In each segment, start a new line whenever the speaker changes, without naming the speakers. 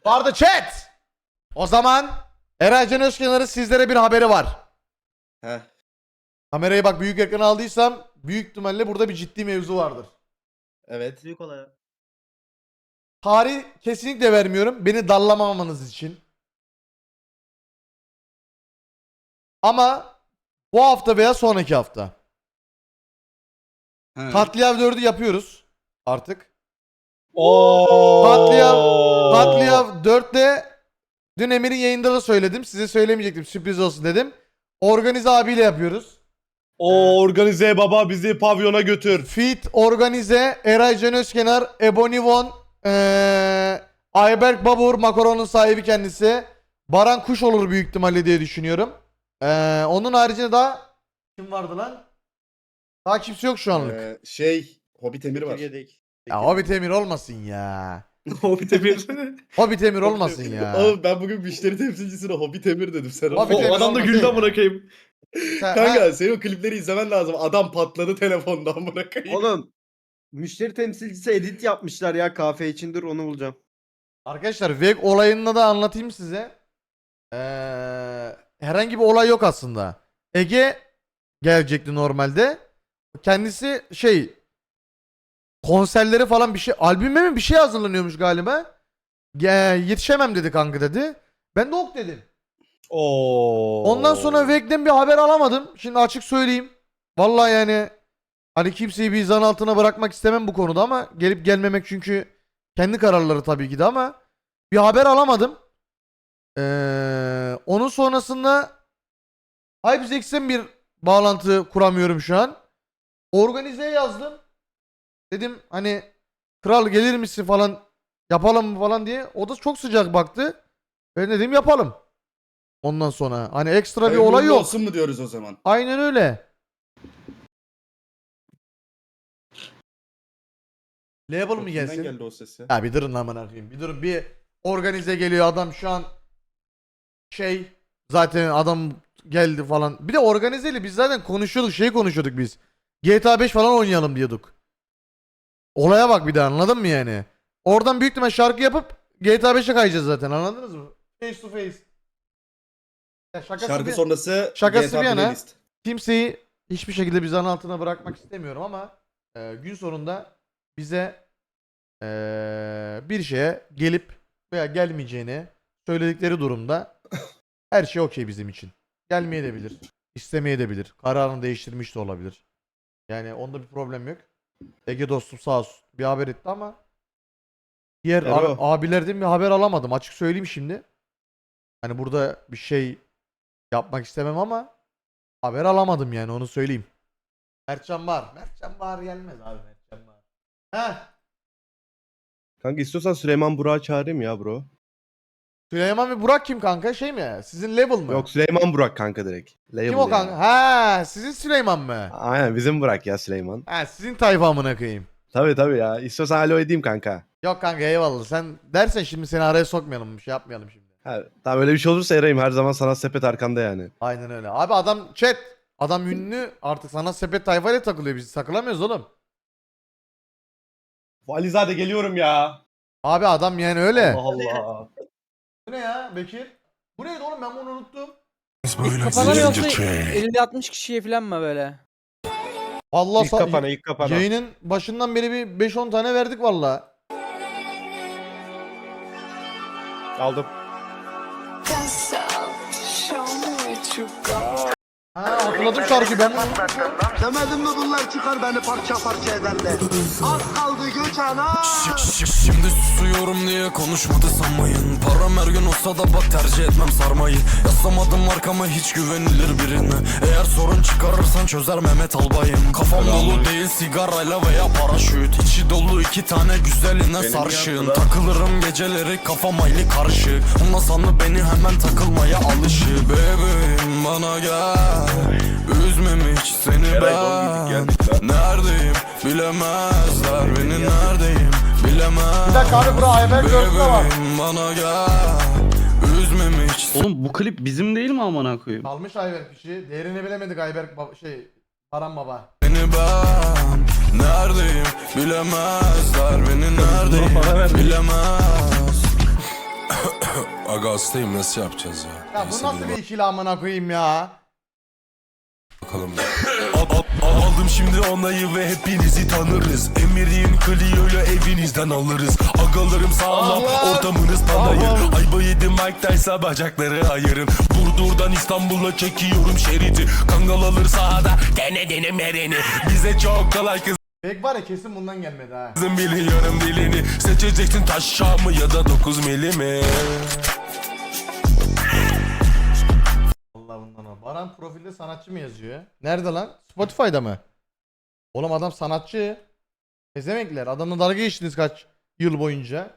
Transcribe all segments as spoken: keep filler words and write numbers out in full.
Vardı chat. O zaman Eray Can Özkenar'ın sizlere bir haberi var.
Heh.
Kamerayı bak büyük ekrana aldıysam büyük ihtimalle burada bir ciddi mevzu vardır.
Evet.
Büyük olay.
Tarih kesinlikle vermiyorum. Beni dallamamanız için. Ama bu hafta veya sonraki hafta.
He.
Katliam dördü yapıyoruz artık.
Oo.
Katliam, Katliam dörtte dün Emir'in yayında da söyledim. Size söylemeyecektim, sürpriz olsun dedim. Organize abiyle yapıyoruz.
O organize baba bizi pavyona götür.
Fit, Organize, Eray Can Özkenar, Ebony Von, ee, Ayberk Babur, Makaron'un sahibi kendisi. Baran Kuş olur büyük ihtimalle diye düşünüyorum. Ee, onun haricinde daha kim vardı lan? Daha kimse yok şu anlık.
Ee, şey Hobbit Emir var.
Ya Hobbit Emir olmasın ya.
Hobbit Emir.
Hobbit Emir olmasın ya.
Oğlum ben bugün müşteri temsilcisine Hobbit Emir dedim sen.
Hobbit
O
Emir
adam da
olmasın.
güldü amına koyayım.
Sen-
Kanka
ha,
senin o klipleri izlemen lazım. Adam patladı telefondan bırakayım.
Oğlum müşteri temsilcisi edit yapmışlar ya kafe için, dur onu bulacağım.
Arkadaşlar V E G olayını da anlatayım size. Ee, herhangi bir olay yok aslında. Ege gelecekti normalde. Kendisi şey konserleri falan bir şey, albüme mi bir şey hazırlanıyormuş galiba. Ge- yetişemem dedi kanka dedi. Ben de ok dedim.
Oo.
Ondan sonra V E G'den bir haber alamadım. Şimdi açık söyleyeyim. Vallahi yani hani kimseyi bir zan altına bırakmak istemem bu konuda ama gelip gelmemek çünkü kendi kararları tabii ki de ama bir haber alamadım. Ee, onun sonrasında HypeZex'ten bir bağlantı kuramıyorum şu an. Organize'ye yazdım. Dedim hani kral gelir misin falan yapalım mı falan diye. O da çok sıcak baktı. Ben dedim yapalım. Ondan sonra hani ekstra bir
Hayırlı
olay yok.
olsun mu diyoruz o zaman?
Aynen öyle. Label mı
Kimden
gelsin?
geldi o ses ya?
Ya bir durun lan amına koyayım. Bir durun, bir organize geliyor adam şu an şey zaten adam geldi falan. Bir de organizeyle biz zaten konuşuyorduk, şey konuşuyorduk biz. G T A beş falan oynayalım diyorduk. Olaya bak bir de, anladın mı yani? Oradan büyük ihtimal şarkı yapıp G T A beşe kayacağız zaten, anladınız mı? Face to face. Ya şakası
Şarkı
bir,
sonrası
şakası
G T A
bir yana.
playlist.
kimseyi hiçbir şekilde bir zan altına bırakmak istemiyorum ama e, gün sonunda bize e, bir şeye gelip veya gelmeyeceğini söyledikleri durumda her şey okey bizim için. Gelmeyebilir, istemeyebilir, kararını değiştirmiş de olabilir. Yani onda bir problem yok. Ege dostum sağ olsun bir haber etti ama diğer
Ero.
abi- abilerden bir haber alamadım, açık söyleyeyim şimdi. Hani burada bir şey yapmak istemem ama haber alamadım yani, onu söyleyeyim. Mertcan var. Mertcan var gelmez abi, Mertcan var. Heh.
Kanka istiyorsan Süleyman Burak'ı çağırayım ya bro.
Süleyman ve Burak kim kanka? Şey mi? Sizin level mı?
Yok Süleyman Burak kanka direkt. Label
Kim o
yani.
kanka? Ha, sizin Süleyman mı?
Aynen bizim Burak ya Süleyman.
Ha, sizin tayfa amına koyayım.
Tabii tabii ya. İstiyorsan alo edeyim kanka.
Yok kanka eyvallah. Sen dersen şimdi seni araya sokmayalım, bir şey yapmayalım şimdi.
Ha, tamam öyle bir şey olursa arayayım. Her zaman sana sepet arkanda yani.
Aynen öyle. Abi adam chat. Adam ünlü, artık sana sepet tayfayla takılıyor, biz takılamıyoruz oğlum.
Valizade geliyorum ya.
Abi adam yani öyle.
Allah Allah.
Bu ne ya Bekir? Bu neydi oğlum, ben bunu unuttum.
Kafana mı yoksa elli altmış kişiye falan mı böyle?
Vallahi
İlk
sa-
kapana ilk kapana.
yayının başından beri bir beş on tane verdik vallahi.
Aldım.
Ha, hatırladım şarkıyı ben. bunu-
Demedim mi bunlar çıkar beni parça parça ederler. Az kaldı göç ana.
Şimdi susuyorum diye konuşmadı sanmayın. Param her gün olsa da bak tercih etmem sarmayı. Yaslamadım arkama hiç güvenilir birine. Eğer sorun çıkarırsan çözer Mehmet Albayım. Kafam dolu değil sigarayla veya paraşüt. İçi dolu iki tane güzeline sarışın. Takılırım geceleri kafam hayli karışık. Ondan sandı beni hemen takılmaya alışık. Bebeğim bana gel, üzmem hiç seni ben. Neredeyim bilemezler beni, neredeyim bilemezler.
Bir dakika abi, bura Ayberk dörtte var.
Bebeğim bana gel, üzmem hiç.
Oğlum bu klip bizim değil mi amına koyayım?
Kalmış Ayberk kişi. Değerini bilemedik Ayberk baba, şey Baran baba.
Beni ben neredeyim bilemezler beni, neredeyim bilemez. Aga hastayım nasıl yapacağız ya?
Ya bu
Neyse,
nasıl
bir
bir ikili amına koyayım ya?
bakalım. Al- al- Aldım şimdi onayı ve hepinizi tanırız. Emir'in Clio'yu evinizden alırız. Agalarım sağlam,
Allah!
ortamınız panayır. Ayba yedi Mike Tyson bacakları ayırın. Burdur'dan İstanbul'a çekiyorum şeridi. Kangal alır sahada, dene dene mereni. Bize çok kolay kız.
Bek var ya kesin bundan gelmedi ha.
Kızım biliyorum dilini. Seçeceksin taş mı ya da dokuz milimi.
Allah bundan o. Baran profilde sanatçı mı yazıyor? Nerede lan? Spotify'da mı? Oğlum adam sanatçı. Ezemekler. Adamla dalga geçtiniz kaç yıl boyunca.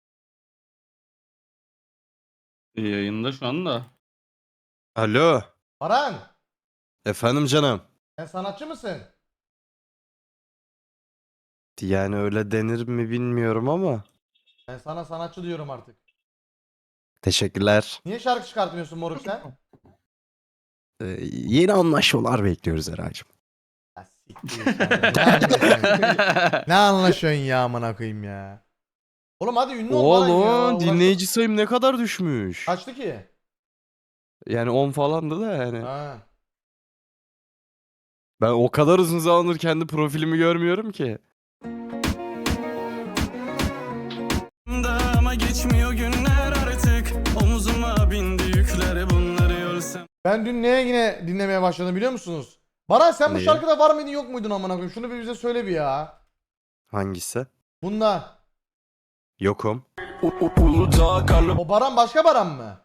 Yayında şu anda.
Alo.
Baran,
Efendim canım.
sen sanatçı mısın?
Yani öyle denir mi bilmiyorum ama.
Ben sana sanatçı diyorum artık.
Teşekkürler.
Niye şarkı çıkartmıyorsun moruk sen?
Ee, yeni anlaşmalar bekliyoruz Eray'cığım.
Ya siktir sen. Ne anlaşıyorsun? Ne anlaşıyorsun ya amına koyayım ya? Oğlum hadi ünlü ol Baran ya.
Oğlum
Uğraşma-
dinleyici sayım ne kadar düşmüş.
Kaçtı ki?
Yani on falandı da yani.
Ha.
Ben o kadar uzun zamandır kendi profilimi görmüyorum ki.
Ama geçmiyor günler artık. Omuzuma bindi yükleri bunları görsem.
Ben dün neye yine dinlemeye başladım biliyor musunuz? Baran sen bu
Neyi?
şarkıda var mıydın yok muydun amına koyayım? Şunu bir bize söyle bir ya.
Hangisi?
Bunda.
Yokum.
Uludağ karlı
O Baran başka Baran mı?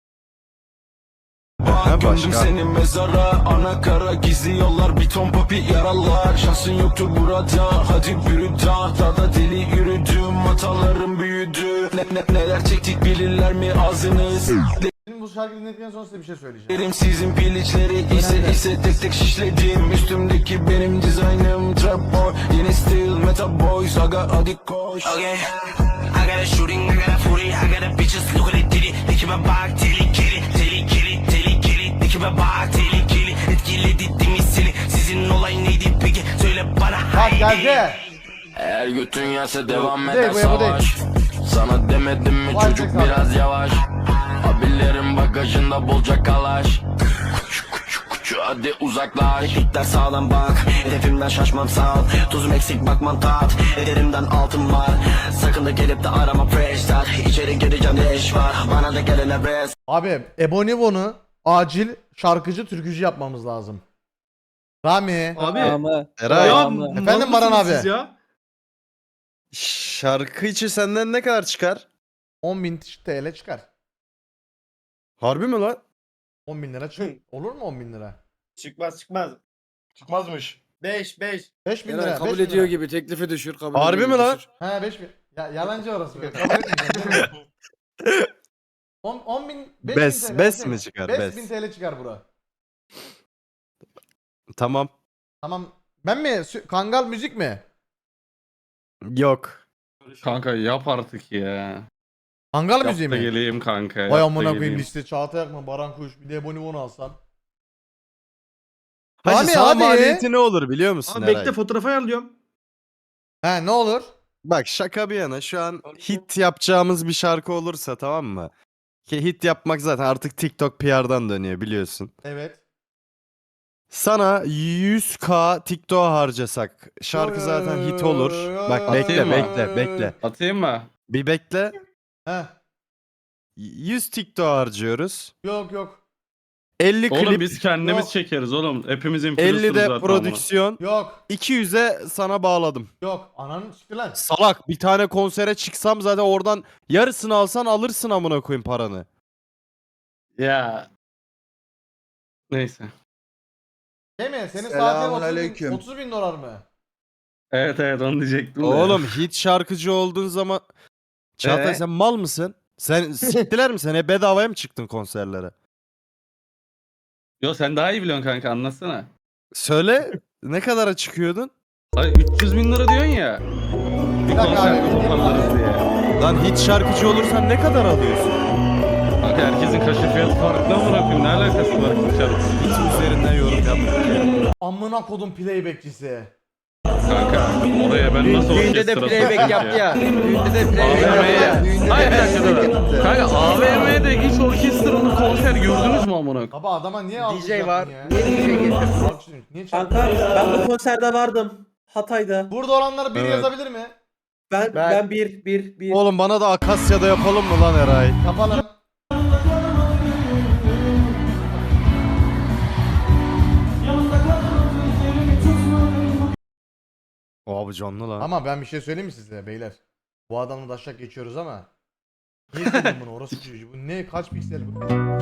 Ha,
gömdüm
başka.
seni mezara. Ana kara gizli yollar bir ton papi yaralar. Şansın yoktur burada hadi yürü dağ. Dağda deli yürüdüm hatalarım büyüdü. Ne, ne, neler çektik bilirler mi ağzınız?
Şimdi bu şarkıyı dinledikten sonra size bir şey söyleyeceğim.
Derim sizin piliçleri ise ise tek tek şişledim. Üstümdeki benim dizaynım trap boy. Yeni stil meta boys aga hadi koş.
Okay, I got a shooting, I got a footy, I got a bitches look at it diddy. Dikime bak tehlikeli, tehlikeli, tehlikeli. Dikime bak tehlikeli, etkiledi değil mi seni? Sizin olay neydi peki? Söyle bana
Bak
haydi.
geldi.
Eğer götün yerse devam
Bu
eder
değil, bu değil, bu değil.
savaş. Sana demedim mi
Vay
çocuk
be,
biraz yavaş. Abilerin bagajında bolca kalaş. Kuçu kuçu kuçu hadi uzaklaş.
Dikler sağlam bak, hedefimden şaşmam sağ ol. Tuzum eksik bakmam tat, ederimden altın var. Sakın da gelip de arama fresh start. İçeri gireceğim ne iş var, bana da gelene rest.
Abi Ebonivon'u acil şarkıcı türkücü yapmamız lazım. Rami.
Abi.
Ama.
Eray.
Ya,
Ama.
Efendim Baran
mal mısınız
abi?
Ya?
Şarkı içi senden ne kadar çıkar?
on bin T L çıkar.
Harbi mi lan?
on bin lira çık. Olur mu on bin lira?
Çıkmaz çıkmaz. Çıkmazmış. beş beş.
beş bin
Eray
lira.
kabul
beş bin
ediyor
lira.
gibi teklifi düşür kabul
Harbi
ediyor
mi
gibi
lan?
düşür.
He beş bin. Ya yalancı orası. be. Kabul etmeyeceğim, değil mi? on, on bin, beş bin
Bes-
T L,
bes
değil
mi çıkar,
beş
bes?
bin T L çıkar bura.
Tamam.
Tamam. Ben mi? Sü- Kangal müzik mi?
Yok.
Kanka yap artık ya.
Kangal
Yap
müziği
da
mi?
geleyim kanka. yap
Vay
da
amına koyayım
geleyim.
liste. Çağatay Akman, Baran Kuş, bir de Ebonivon'u alsam.
Hacı
Rami,
sana
hadi.
maliyeti ne olur biliyor musun
Abi
Eray?
bekle fotoğraf ayarlıyorum.
He ne olur?
Bak şaka bir yana şu an hit yapacağımız bir şarkı olursa tamam mı? Ki hit yapmak zaten artık TikTok P R'dan dönüyor biliyorsun.
Evet.
Sana yüz K TikTok harcasak şarkı zaten hit olur. Bak bekle
Atayım mı?
bekle bekle.
Atayım mı?
Bir bekle.
He.
yüz TikTok harcıyoruz.
Yok yok.
elli
Oğlum
klip,
biz kendimiz
Yok.
çekeriz oğlum. Hepimiz influencer'ız
elli de
zaten
prodüksiyon.
Yok.
iki yüze sana bağladım.
Yok. Ananı siktir lan.
Salak bir tane konsere çıksam zaten oradan yarısını alsan alırsın amına koyayım paranı.
amına. Ya. Neyse.
Değil mi? Senin
Selamun
saatin otuz bin,
aleyküm.
otuz bin dolar mı?
Evet evet onu diyecektim de.
Oğlum hit şarkıcı olduğun zaman Çağatay
Ee?
sen mal mısın? Sen siktiler mi? Sen hep bedavaya mı çıktın konserlere?
Yo sen daha iyi biliyorsun kanka anlatsana.
Söyle ne kadara çıkıyordun?
Ay üç yüz bin lira diyorsun ya. Bir
dakika
konser
abi.
toparlarız diye.
Lan hit şarkıcı olursan ne kadar alıyorsun?
Kanka herkesin kaşı fiyatı farklı ama bırakayım ne alakası var ki şarkı.
Hit üzerinden yorum yapma.
Amına kodum playbackçisi.
Kanka oraya ben nasıl
Düğünde de
orkestra
playback
sokayım
yaptı
ki?
ya. Düğünde de playback
A V M'ye.
yaptı ya. Düğünde
Hayır bir
de
dakika dur.
playback yaptı.
Kanka A V M'de hiç orkestralı konser gördünüz mü amına koyayım?
Baba adama niye alkış
D J
yaptın
var.
ya?
Niye D J getirdin?
Alkış- Niye çaldın?
Kanka ben bu konserde vardım. Hatay'da.
Burada olanlar biri
Evet.
yazabilir mi?
Ben
Ben-
ben, bir bir bir.
Oğlum bana da Akasya'da yapalım mı lan Eray?
Yapalım.
Abi canlı lan.
Ama ben bir şey söyleyeyim mi size beyler? Bu adamla da aşağı geçiyoruz ama. Niye söyledin bunu? Orası çocuğu. Bu ne? Kaç piksel bu?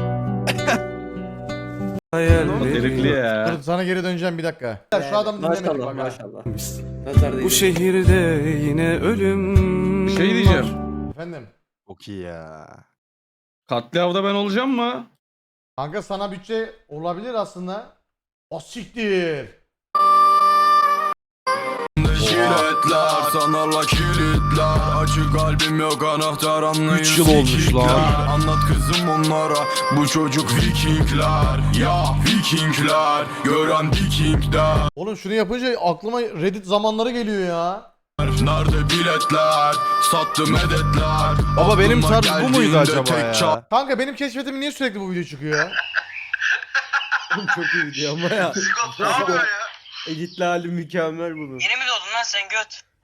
Herifli ya.
Dur sana geri döneceğim bir dakika. Şu adamı dinlemedik
Maşallah
bak ha.
maşallah. Nazar değil.
Bu şehirde yine ölüm
Bir şey diyeceğim.
Efendim.
Çok iyi ya.
Katliavda ben olacağım mı?
Kanka sana bütçe olabilir aslında. O siktir.
Jiletler sanarla kilitler Açık kalbim yok anahtar anlayın
Üç yıl olmuş
sikikler.
lan.
Anlat kızım onlara bu çocuk vikingler Ya vikingler gören vikingler
Oğlum şunu yapınca aklıma Reddit zamanları geliyor ya.
Nerede biletler sattı medetler
Baba benim
Aklıma
tarz bu muydu
geldiğinde
acaba
tek
ya?
çal-
Kanka benim keşfetim niye sürekli bu video çıkıyor ya?
Çok iyi video ama ya. Editli hali mükemmel bunun.
Yeni mi doğdun lan sen göt?